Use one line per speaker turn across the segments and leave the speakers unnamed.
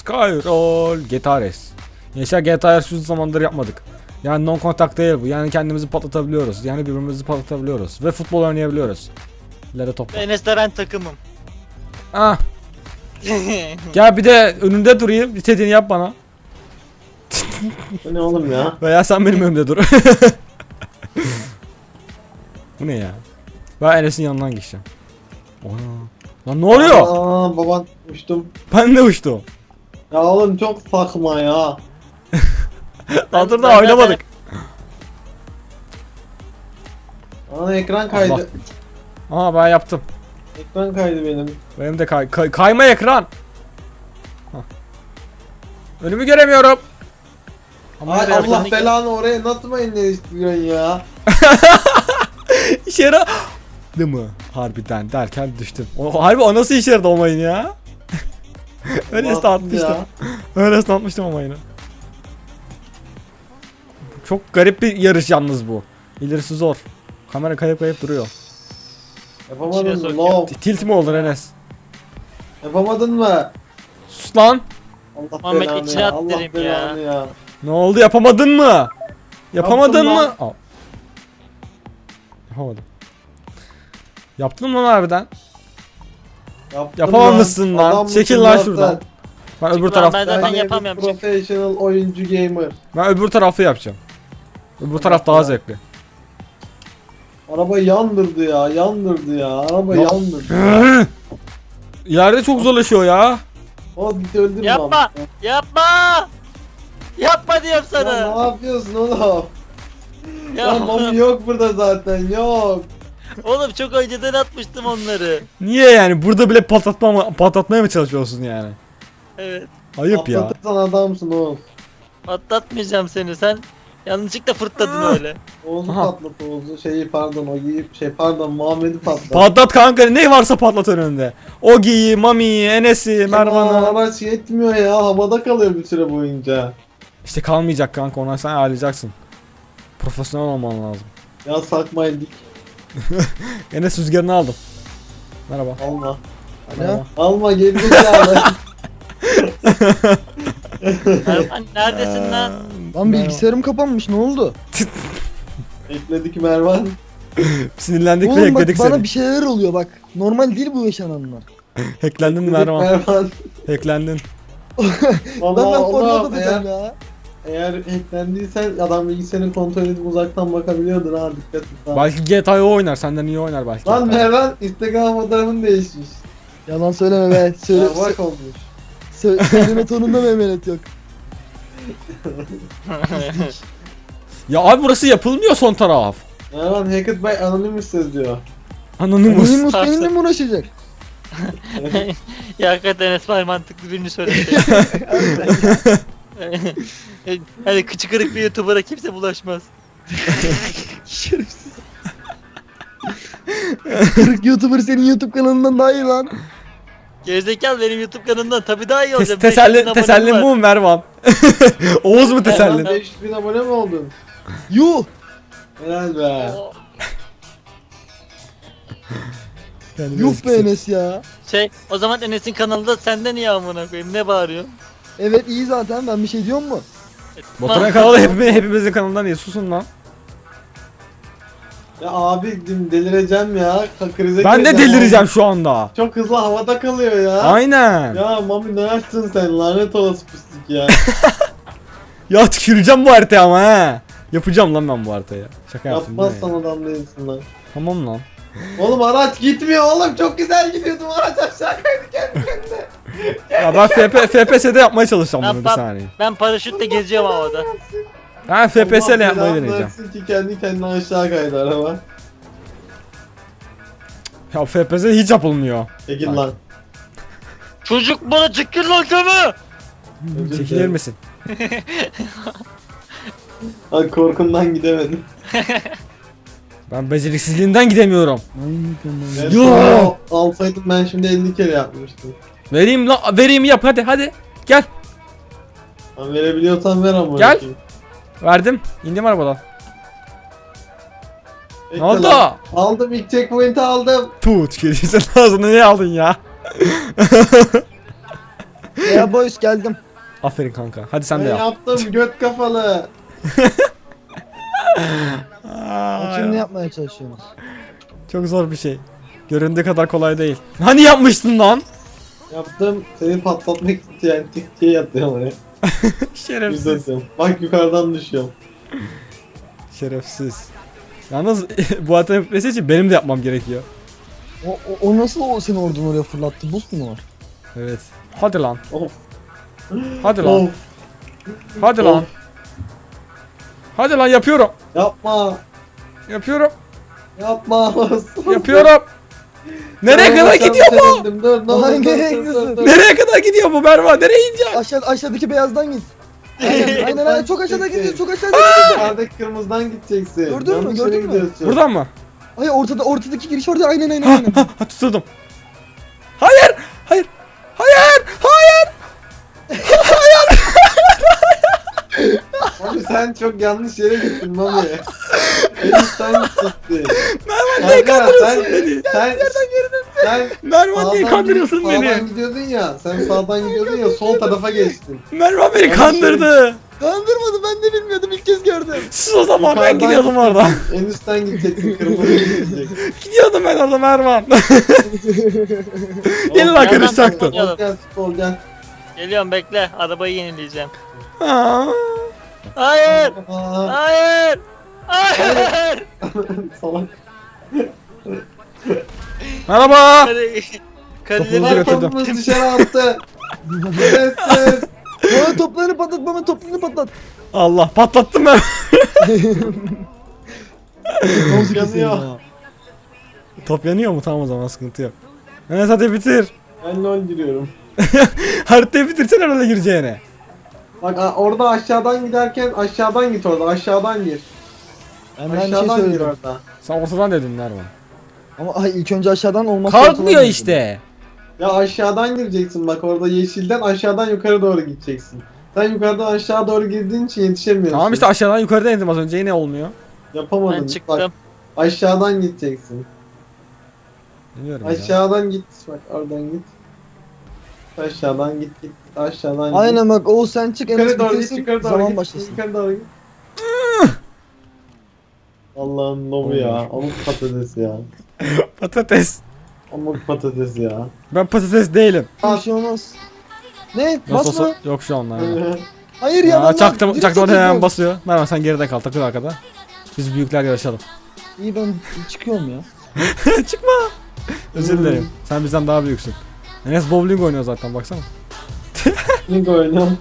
Skyroll GTA Race. Gençler GTA Race uzun zamandır yapmadık. Yani non contact değil bu. Yani kendimizi patlatabiliyoruz. Yani birbirimizi patlatabiliyoruz. Ve futbol oynayabiliyoruz. İleri topla.
Enes'le ben takımım.
Ah. Gel bir de önünde durayım. İstediğini yap bana.
Bu ne oğlum ya?
Veya sen benim önümde dur. Bu ne ya? Ben Enes'in yanından geçeceğim. Ona. Lan ne oluyor?
Aa, baban uçtum.
Ben de uçtum.
Ya oğlum çok saçma ya.
Daha dur
ben
da oynamadık.
Ana ekran kaydı.
Allah. Aa ben yaptım.
Ekran kaydı benim.
Benim de kayma ekran. Hah. Önümü göremiyorum. Ama
Ay
nereye
Allah
yaptın?
belanı oraya nasıl mayınlar istiyorsun ya?
İşe yaradı mı? Harbiden derken düştüm. Harbi o nasıl işe yaradı o mayın ya? Öylesine
Baktım
atmıştım.
ya.
Öylesine atmıştım o mayını. Çok garip bir yarış yalnız bu. İlerisi zor. Kamera kayıp duruyor.
Yapamadın
İçine
mı?
sok
No.
Tilt mi oldun Enes?
Yapamadın mı?
Sus lan.
Allah
Muhammed
belanı
içine
ya.
at
Allah
derim
belanı ya.
Ne oldu yapamadın mı? Yapamadın
Yaptım
mı? Al. Yapamadım. Yaptın mı lan harbiden?
Yaptım
Yapamamışsın lan.
Adammışsın
Çekil lan
zaten.
şuradan. Ben öbür
Lan
taraf
ben zaten
Ben de bir
yapamıyorum. Çık.
professional oyuncu gamer.
ben öbür tarafı yapacağım. Öbür taraf daha zevkli.
Araba yandırdı ya, yandırdı ya. Araba
Ya-
yandırdı.
İleride çok zorlaşıyor ya.
O bizi öldürme.
Yapma!
abi.
Yapma! Yapma diyorum
Ya
sana.
ne yapıyorsun oğlum?
Ya,
Ya Mami yok burada zaten, yok.
oğlum çok önceden atmıştım onları.
Niye yani? Burada bile patlatmaya mı çalışıyorsun yani?
Evet.
Ayıp ya.
Atlatırsan adamsın Oğuz.
Atlatmayacağım seni, sen yanlışlıkla fırtladın öyle.
Oğuz'u
Aha.
patlat Oğuz'u. Pardon o giyip pardon Muhammed'i patlat.
Patlat kanka ne varsa patlat önünde. Ogi'yi, Mami'yi, Enes'i,
Aman
Mervan'ı.
araç yetmiyor ya, havada kalıyor bir süre boyunca.
İşte kalmayacak kanka ona sen ayarlayacaksın. Profesyonel olman lazım.
Ya sakmayın,
Enes rüzgarını aldım. Merhaba.
alma.
Merhaba.
Alma gerizekalı.
Erman neredesin lan?
Lan bilgisayarım kapanmış, ne oldu?
Ekledik Mervan.
Sinirlendik ve
Oğlum bak
ekledik
bana
seni.
bir şeyler oluyor bak. Normal değil bu yaşananlar.
Hacklendin
Ekledik
Mervan.
Mervan.
Hacklendin.
Vallahi
Ben
oğlum,
format atacağım ya.
eğer hacklendiysen adam bilgisayarını kontrol edip uzaktan bakabiliyordur ha, dikkat et ha.
Belki GTA'yı oynar. Senden iyi oynar belki.
Lan Mervan Instagram fotoğrafın değişmiş.
Yalan söyleme be. Söyle,
Ya bak olmuş.
söyleme tonunda mehmenet yok.
Ya abi burası yapılmıyor son taraf.
Mervan Hackett by Anonymous diyor.
Anonymous.
Benim benimle mi uğraşacak?
Ya hakikaten Esma mantıklı birini söyledi. Hani kıçı kırık bir YouTuber'a kimse bulaşmaz.
Şerefsiz. Kırık YouTuber senin YouTube kanalından daha iyi lan.
Gerizekalı benim YouTube kanalımdan tabii daha iyi olacak.
Teselli bu mu Mervan? Oğuz mu teselli?
Mervan 500 bin abone mi oldun?
Yuh.
Helal be.
Yuh be Enes ya.
O zaman Enes'in kanalında senden iyi amına koyayım, ne bağırıyorsun?
Evet iyi zaten, ben bir şey diyorum mu?
Motorun kanalı hepimizin kanalından iyi. Susun lan.
Ya abi delireceğim ya. Krize
Ben de
gireceğim
delireceğim
abi.
şu anda.
Çok hızlı havada kalıyor ya.
Aynen.
Ya Mami ne yaptın sen, lanet olası pislik ya.
Ya tüküreceğim bu haritaya ama he. Yapacağım lan ben bu haritayı. Şaka yaptım. değil mi
Yapmazsan
ya?
adam değilsin lan.
Tamam lan.
Oğlum araç gitmiyor oğlum, çok güzel gidiyordum, araç aşağı kaydı kendi kendine.
Ya ben FPS'de yapmaya çalışacağım bunu bir
Ben-
saniye.
Ben paraşütle geziyorum havada.
Ben FPS ile
Allah
yapmayı
belanı
deneyeceğim.
versin ki kendi kendine aşağı kaydı araba.
Ya FPS hiç yapılmıyor.
Çekil
Bak.
lan.
Çocuk bana çıkır lan kömü!
Özür
Çekilir
dilerim.
misin?
Ay korkumdan gidemedim.
Ben beceriksizliğinden gidemiyorum.
Ben
Yo!
sana alsaydım ben şimdi 50 kere yapmıştım.
Vereyim lan, vereyim yap hadi. Gel.
Ben verebiliyorsan ver ama.
Gel. Verdim. İndim arabadan.
Bekle
Ne oldu?
lan. Aldım, ilk checkpoint'i aldım.
Tut, tükürüyorsun ağzına ne aldın ya?
Ya boys geldim.
Aferin kanka. Hadi sen
Ben
de yap.
yaptım göt kafalı.
Bakayım ne yapmaya çalışıyorsunuz?
Çok zor bir şey. Göründüğü kadar kolay değil. Hani yapmıştın lan?
Yaptım seni patlatmak isteyen tik diye yatıyorum oraya.
Şerefsiz.
Yüzdesim. Bak yukarıdan düşüyorum.
Şerefsiz. Yalnız bu hata yapması için benim de yapmam gerekiyor.
O nasıl seni oradan oraya fırlattı? Boost mu var?
Evet. Hadi lan.
Of.
Hadi lan.
Of.
Hadi lan. Hadi lan yapıyorum.
Yapma.
Yapıyorum.
Yapma.
Yapıyorum. Nereye kadar gidiyor bu?
Sevindim. Dur ne olur,
Ay,
dur,
nereye
dur,
gidiyorsun?
dur.
Nereye kadar gidiyor bu Mervan? Nereye ineceğim?
Aşağıdaki beyazdan git. Aynen çok aşağıda gidiyor, çok aşağıda gidiyor.
Yukarıdaki kırmızıdan gideceksin.
Gördün mü,
Yanlış
gördün
yere
mü?
gidiyorsun.
Buradan mı?
Hayır ortadaki giriş orada aynen.
Ha tuturdum. Hayır! Hayır! Hayır! Hayır!
Abi sen çok yanlış yere gittin Mami. Enişten gidecektin.
Mervan niye
Kanka,
kandırıyorsun beni?
Sen
Mervan niye kandırıyorsun
sağdan
beni?
gidiyordun ya. Sen sağdan gidiyordun ya sol tarafa geçtin.
Mervan beni
Yanlış
kandırdı.
Kandırmadı ben de bilmiyordum ilk kez gördüm.
Sus o zaman ben
Yukarıdan
gidiyordum orada.
Enişten gideceksin kırmızı gidecek.
Gidiyordum ben orada Mervan. Yine lan
Yandan
karışacaktın.
patlayalım.
Gel sol gel.
Geliyorum bekle. Arabayı yenileyeceğim.
Aa,
Hayır.
Aa,
Hayır. Hayır.
salak.
Merhaba.
Karileri
Topunuzu götürdüm.
Topumuz dışarı attı. Şerefsiz.
Bana toplarını patlat bana toplarını patlat.
Allah patlattım ben.
Nasıl
Yanıyor.
Top yanıyor mu? Tamam o zaman sıkıntı yok. Enes hadi bitir.
Ben LoL giriyorum.
Haritayı bitirsen herhalde gireceğine.
Bak orada aşağıdan giderken aşağıdan git orada. Aşağıdan gir.
Ben bir şey
Aşağıdan gir
söyledim.
orada.
Sen ortadan dedin Mervan.
Ama ilk önce aşağıdan olmaz.
Kalkmıyor işte.
Ya aşağıdan gireceksin bak orada yeşilden aşağıdan yukarı doğru gideceksin. Sen yukarıdan aşağı doğru girdiğin için yetişemiyorsun.
Tamam işte aşağıdan yukarıdan indim az önce yine olmuyor.
Yapamadın.
Ben çıktım.
Bak aşağıdan gideceksin.
Bilmiyorum ya.
Aşağıdan git. Bak oradan git. Aşağıdan git. Aşağıdan git.
Aynen bak Oğuz sen çık
Yukarı
Enes
doğru git,
bitirsin
yukarı doğru
zaman
git.
başlasın.
Yukarı doğru git. Allah'ın lobu ya. Amuk patates ya.
Patates.
Amuk patates ya.
Ben patates değilim.
Bir şey olmaz. Ne?
Nasıl
Basma.
olsa yok şu an. Yani.
Hayır ya.
Aa,
lan,
çaktım
direkt
çaktım
atayım
hemen
ben.
basıyor. Mervan sen geride kal takıl arkada. Biz büyükler yarışalım.
İyi ben çıkıyorum ya.
Çıkma. Özür dilerim. Sen bizden daha büyüksün. Enes bowling oynuyor zaten baksana.
Link oynuyorum.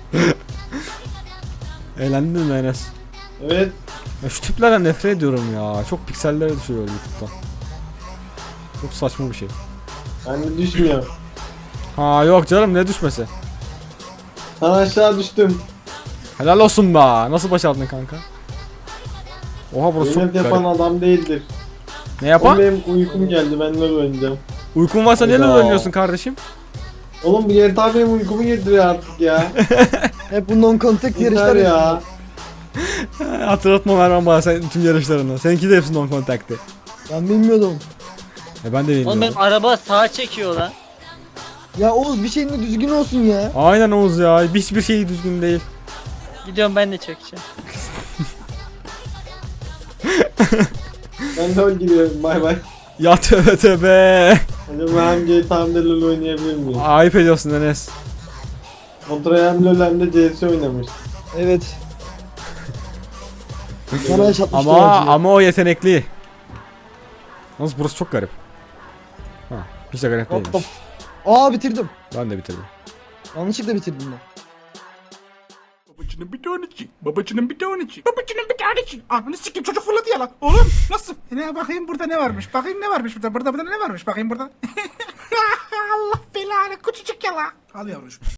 Eğlendin mi Enes?
Evet.
Ya şu tiplerden nefret ediyorum ya. Çok piksellere düşüyor YouTube'da. Çok saçma bir şey.
Ben de düşmüyor.
Ha yok canım ne düşmesi.
Ben aşağı düştüm.
Helal olsun be. Nasıl başardın kanka? Oha burası çok
Yemek yapan
garip.
adam değildir.
Ne
Oğlum
yapan?
benim uykum geldi ben LoL oynayacağım.
Uykun varsa neler
Hayda.
oynuyorsun kardeşim?
Oğlum bu GTA benim uykumu getiriyor artık ya.
Hep bu non contact
Yeter
yarışlar
ya.
Hatırlatma Mervan bana sen tüm yarışlarını. Seninki de hepsi non contact'ti.
Ben bilmiyordum.
Ben de
Oğlum
bilmiyorum.
benim araba sağa çekiyor lan.
Ya Oğuz bir şeyin de düzgün olsun ya.
Aynen Oğuz ya. Hiçbir şey düzgün değil.
Gidiyorum ben de çekeceğim.
Ben LoL giriyorum bay bay.
Ya tövbe tövbe.
Hadi ben hem GTA'mda LoL oynayabilir miyim?
Ayıp ediyorsun Enes.
Kontraya hem LoL hem de CS oynamış.
Evet. Bana yaşatmışlar
Ama
acıyı.
ama o yetenekli. Yalnız burası çok garip. Ha, hiç de garip
Hop,
değilmiş.
hop. Aa bitirdim.
Ben de bitirdim.
Yanlışlıkla bitirdim ben.
Babacının bir tanesi. Babacının bir tanesi. Babacının bir tanesi. Ananı sikeyim çocuk fırladı ya lan. Oğlum nasıl? Ne bakayım burada ne varmış? Bakayım ne varmış burada? Burada ne varmış? Bakayım burada. Allah belanı küçücük ya lan. Al yavrucuğum.